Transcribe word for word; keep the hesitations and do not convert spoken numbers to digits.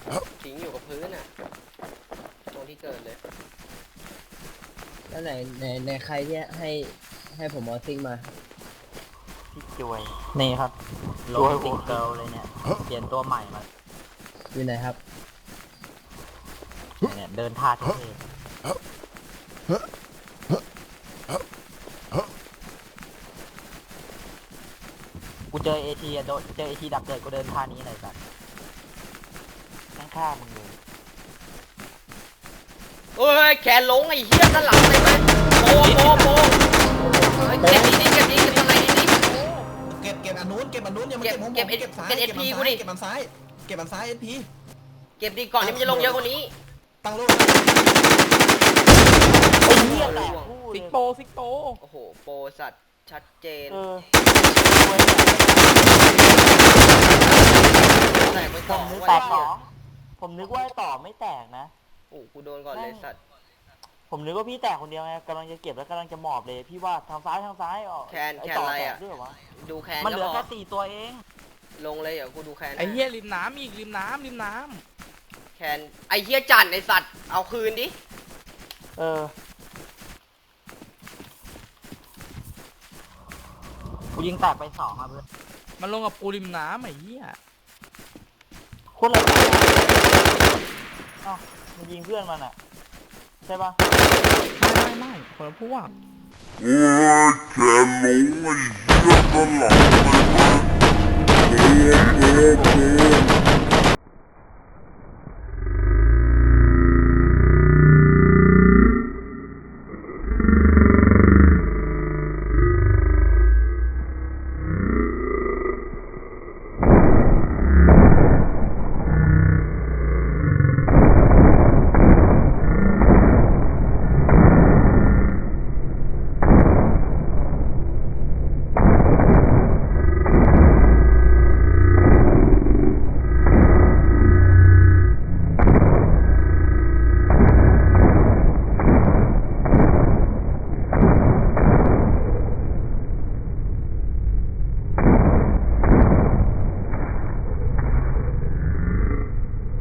ทิ้งอยู่กับพื้นอ่ะตรงที่เกิดเลยแล้วไหนไหนไหนใครที่ให้ให้ผมเอาซิงมาพี่จวยนี่ครับโลติงเกิลเลยเนี่ยเปลี่ยนตัวใหม่มาอยู่ไหนครับเนี่ยเดินท่าเท่กูเจอเอทีอะโดนเจอเอทีดับเดินกูเดินท่านี้เลยสัตว์ข้างๆมึงเลยเอ้ยแขนลงไอ้เหี้ยด้านหลังเลยไหมโปโปโปเก็บดีเก็บดีเก็บตรงไหนดีเก็บเก็บอันนู้นเก็บอันนู้นยังไม่เก็บของผมเก็บซ้ายเก็บอันซ้ายเก็บอันซ้ายเก็บอันซ้ายเอพีเก็บดีก่อนที่มันจะลงเยอะกว่านี้ตั้งโลกไอ้เหี้ยแหละซิกโปซิกโปโอ้โหโปสัตว์ชัดเจนแตกไปต่อแตกสองผมนึกว่าต่อไม่แตกนะโอ้กูโดนก่อนเลยสัตว์ผมนึกว่าพี่แตกคนเดียวไงกำลังจะเก็บแล้วกำลังจะหมอบเลยพี่ว่าทางซ้ายทางซ้ายอ๋อแคนแคนอะไรอ่ะดูแคนมันเหลือแค่สี่ตัวเองลงเลยเดี๋ยวกูดูแคนไอ้เหี้ยริมน้ำอีกริมน้ำริมน้ำแคนไอ้เหี้ยจันไอ้สัตว์เอาคืนดิเออกูยิงแตกไปสองครับเพื่อนมันลงกับกูริมน้ำไอ้เหี้ยคนละอ้าวมันยิงเพื่อนมันอ่ะใช่ปะไม่ไม่ไม่คนละพวกโอ้ยแขนลงไอ้เหี้ยด้านหลังเลยไหมโอ้โหโอ้โห